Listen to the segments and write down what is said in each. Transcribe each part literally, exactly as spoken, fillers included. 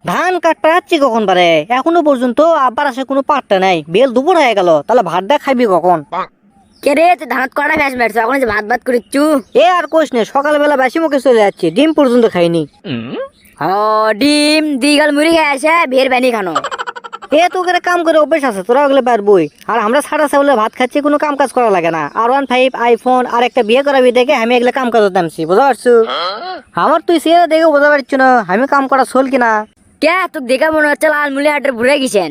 ধান কাটতে যাচ্ছি কখন পারে, এখনো পর্যন্ত আব্বার আসে কোনো পাট্টা নাই। বেল দুপুর হয়ে গেল, তাহলে ভাতটা খাইবি কখন? কে রে তুই ধান কড়া ফ্যাস মারছো এখন যে ভাত ভাত করিচ্ছু? এ আর কোশ নে, সকালবেলা বেশি মুখে চলে যাচ্ছি, ডিম পর্যন্ত খাইনি। হ ডিম দিগাল মুড়ি খেয়ে আসে বিয়ের ব্যানি খানো। এ তোকে কাম করে অভ্যেস আছে, তোরা ওগুলো পারবই। আর আমরা সারা সাবলে ভাত খাচ্ছি, কোনো কাম কাজ করা লাগে না। আর ওয়ান ফাইভ আইফোন আর একটা বিয়ে করাবি দেখে আমি এগুলো কাম কাজ নামছি, বুঝতে পারছো? আমার তুই সে দেখে বোঝা পারছো না আমি কাম করা চল কিনা। কে তোকে দেখা মনে হচ্ছে লাল মুড়ি হাটের ঘুরে গেছেন।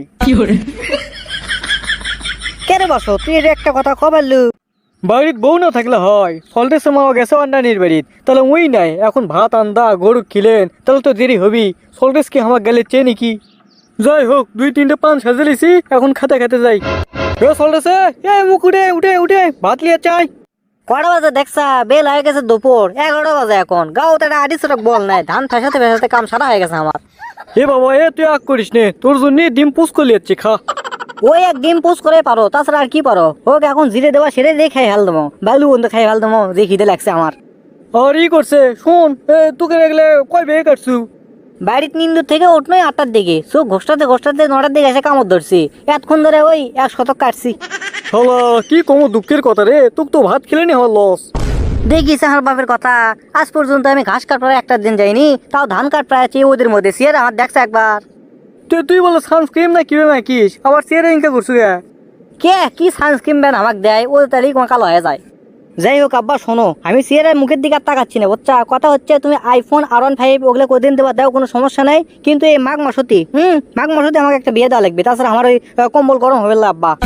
কে রে বসো, তুই এটা একটা কথা কবারলু। বাড়ির বউ না থাকলে হয়, সল্টের মামা গেছে অন্যানির বাড়ির, তাহলে ওই নাই এখন ভাত আন্দা গরু খিলেন, তাহলে তো দেরি হবি। সল্টেস কি আমার গেলে চেয়ে নাকি? যাই হোক, দুই তিনটে পান সাজে লিছি, এখন খাতে খাতে যাই। এ সল্টেসে এ মুখ উঠে উঠে উঠে ভাত লিয়ে চাই। কটা বাজে দেখছা? বেল হয়ে গেছে দুপুর এগারোটা বাজে। এখন গাও তো একটা আড়ি সড়ক বল নাই, ধান ফেসাতে ফেসাতে কাম সারা হয়ে গেছে আমার। এ বাবা এ তুই আগ করিস নে, তোর জন্য ডিম পুষ করে লিয়াচ্ছি, খা। ওই এক ডিম পোস্ট করে পারো, তাছাড়া আর কি পারো? হোক এখন জিরে দেওয়া সেরে দিয়ে খাই ফেল দেবো, বালু বন্ধ খাই ফেল দেবো, যে খিদে লাগছে আমার। আর ই করছে শোন, এ তোকে দেখলে কয় বেয়ে কাটছু? বাড়ির নিন্দুর থেকে উঠনোই আটটার দিকে, চোখ ঘোষটাতে ঘোষটাতে নটার দিকে এসে কামড় ধরছি। এতক্ষণ ধরে ওই এক শতক কাটছি। শালা কি কম দুঃখের কথা রে, তোকে তো ভাত খেলে নি হওয়ার লস। দেখিস আমার বাপের কথা, আজ পর্যন্ত আমি ঘাস কাটবার একটা দিন যাইনি, তাও ধান কাট প্রায় আছি ওদের মধ্যে। সিয়ার আমার দেখছে একবার। তুই তুই বলে সানস্ক্রিন না কিবে না কিস, আবার চেয়ারে ইনকা করছু গে? কে কি সানস্ক্রিন ব্যান আমাকে দেয়, ওই তারিখ আমার কালো হয়ে যায়। যাই হোক আব্বা শোনো, আমি সিয়ারের মুখের দিকে আর তাকাচ্ছি না, বুঝছা? কথা হচ্ছে তুমি আইফোন আর ওয়ান ফাইভ ওগুলো কদিন দেবা দাও, কোনো সমস্যা নাই, কিন্তু এই মাঘ মাসতি হুম মাঘ মাসতি আমাকে একটা বিয়ে দেওয়া লাগবে, তাছাড়া আমার ওই আহ, কম্বল গরম হবে না আব্বা।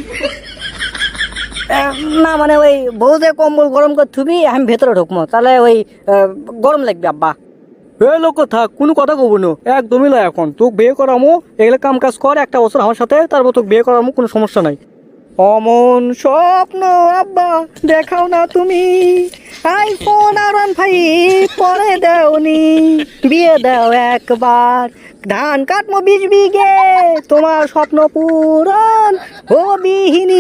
আহ, না মানে ওই বউ যে কম্বল গরম করে থুবি আমি ভেতরে ঢুকবো, তাহলে ওই আহ, গরম লাগবে আব্বা। এ লোক থাক, কোনো কথা কব না, একদমই না। এখন তোকে বিয়ে করামো, এগুলো কাম কাজ কর একটা বছর আমার সাথে, তারপর তোকে বিয়ে করামো, কোনো সমস্যা নাই। অমন স্বপ্ন আব্বা দেখাও না তুমি, আইফোন আর ওয়ান ফাইভ পরে দেওনি, বিয়ে দাও একবার, ধান কাটমো বিশ বিঘে, তোমার স্বপ্ন পূরণ হবিহিনী,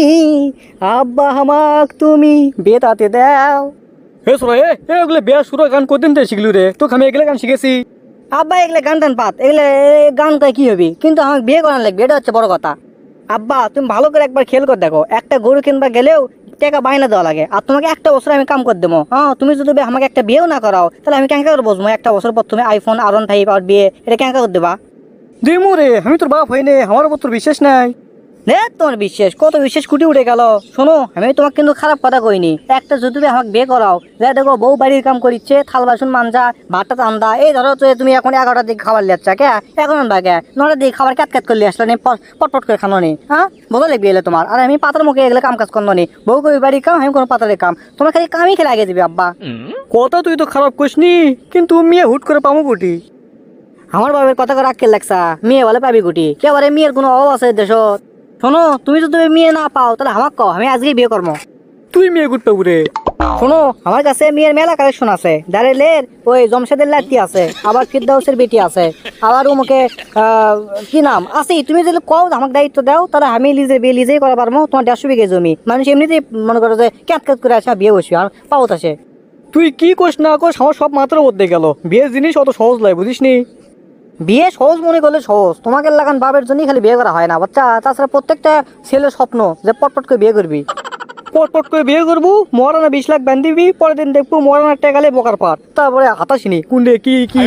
আব্বা আমাক তুমি বেতাতে দাও। হে সোনা এ এগুলো বিয়া সুরা গান কদিন দিয়ে শিখলু রে? তোকে আমি এগুলো গান শিখেছি। আব্বা এগুলো গান টান পাত, এগুলো গান গায়ে কি হবে, কিন্তু আমাকে বিয়ে করার লাগবে, এটা হচ্ছে বড় কথা। আব্বা তুমি ভালো করে একবার খেয়াল করে দেখো, একটা গরু কিনবা গেলেও টাকা বাইনা দেওয়া লাগে, আর তোমাকে একটা বছর আমি কাম করে দেবো। হ্যাঁ তুমি যদি আমাকে একটা বিয়েও না করাও, তাহলে আমি কেঙ্কা করে বসবো একটা বছর পর তুমি আইফোন আর ওয়ান ফাইভ আর বিয়ে, এটা কেঙ্কা করে দেবা? দিমু রে, আমি তোর বাপ হইনি, আমার উপর তোর বিশ্বাস নাই। রে তোমার বিশ্বাস কত বিশ্বাস কুটি উঠে গেল। শোনো আমি তোমাকে কিন্তু খারাপ কথা কইনি, একটা যদি তুমি আমাকে বিয়ে করাও, যা দেখো বউ বাড়ির কাম করিচ্ছে, থাল বাসন মানজা ভাতটা চান্দা, এই ধরো তো তুমি এখন এগারোটার দিকে খাবার লিয়াচ্ছা, কে এখন আনবা কে নটার দিকে খাবার ক্যাট ক্যাট করলে আসলে পটপট করে খানো নি, হ্যাঁ বোঝা লাগবে এলে তোমার। আর আমি পাতার মুখে এগুলো কাম কাজ করলো নি, বউ কই বাড়ির কাম, আমি কোনো পাতারের কাম, তোমার খালি কামই খেলে আগে দিবি আব্বা। কথা তুই তো খারাপ করিসনি, কিন্তু মেয়ে হুট করে পামো গুটি। আমার বাবার কথা করে আক্কেল লাগছা, মেয়ে বলে পাবি গুটি, কে বলে মেয়ের কোনো অভাব আছে দেশত? শোনো তুমি যদি মেয়ে না পাও তাহলে আমাকে কও, আমি আজকেই বিয়ে করবো। তুই মেয়ে গুট পাবু রে? শোনো আমার কাছে মেয়ের মেলা কালেকশন আছে, দাঁড়েলের ওই জমশেদের লাতি আছে, আবার ফিরদাউসের বেটি আছে, আবার ওমকে কি নাম আছে, তুমি যদি কও আমাকে দায়িত্ব দাও, তাহলে আমি লিজে বিয়ে লিজেই করা পারবো। তোমার দেড়শো বিঘে জমি, মানুষ এমনিতেই মনে করো যে ক্যাট ক্যাট করে আসে বিয়ে বসবি, আর পাওত আসে। তুই কি কোস না কোস আমার সব মাত্রা বদলে গেল, বিয়ের জিনিস অত সহজ নয়, বুঝিস নি? বিয়ে সহজ মনে করলে সহজ, তোমাকে লাগান বাপের জন্যই খালি বিয়ে করা হয় না বাচ্চা, তাছাড়া প্রত্যেকটা ছেলের স্বপ্ন যে পটপট করে বিয়ে করবি। পটপট করে বিয়ে করবো, মরানা বিশ লাখ ব্যান দিবি, পরের দিন দেখবো মরানার টেকালে বোকার পাট, তারপরে হাতাসিনি কুন্ডে কি কি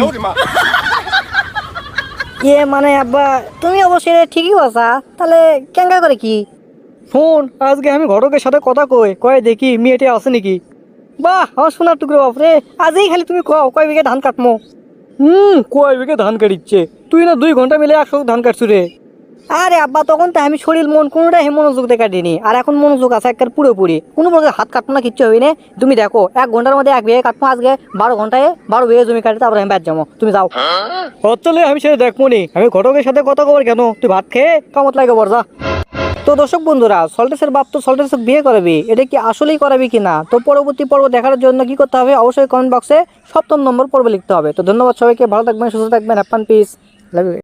ইয়ে মানে আব্বা তুমি অবশ্যই ঠিকই বলছা, তাহলে কেঙ্গা করে কি? শোন, আজকে আমি ঘটকের সাথে কথা কই কয়ে দেখি মেয়েটা আছে নাকি। বাহ আমার সোনার টুকরো বাপরে, আজই খালি তুমি কও কয় বিঘে ধান কাটমো। হুম কয় বিঘে ধান কাটিচ্ছে, তুই না দুই ঘন্টা মিলে একশো ধান কাটছু রে। আরে আব্বা তখন তো আমি শরীর মন কোনোটাই মনোযোগ দিয়ে কাটিনি, আর এখন মনোযোগ আছে একবার পুরোপুরি, কোনো প্রকার হাত কাটবো না, কিচ্ছু হবে না। তুমি দেখো এক ঘন্টার মধ্যে এক বিঘে কাটবো, আজকে বারো ঘন্টায় বারো বিঘে জমি কাটে, তারপরে আমি ব্যাট যাবো, তুমি যাও। চলে আমি সেটা দেখবো নি, আমি ঘটকের সাথে কথা কবার কেন, তুই ভাত খেয়ে কামত লাগে বর্জা। তো দর্শক বন্ধুরা, সল্টেসের বাপ তো সল্টেসকে বিয়ে করাবি, এটা কি আসলেই করাবি কিনা, তো পরবর্তী পর্ব দেখার জন্য কি করতে হবে, অবশ্যই কমেন্ট বক্সে সপ্তম নম্বর পর্ব লিখতে হবে। তো ধন্যবাদ সবাইকে, ভালো থাকবেন, সুস্থ থাকবেন, হ্যাপি পিস, লাভ ইউ।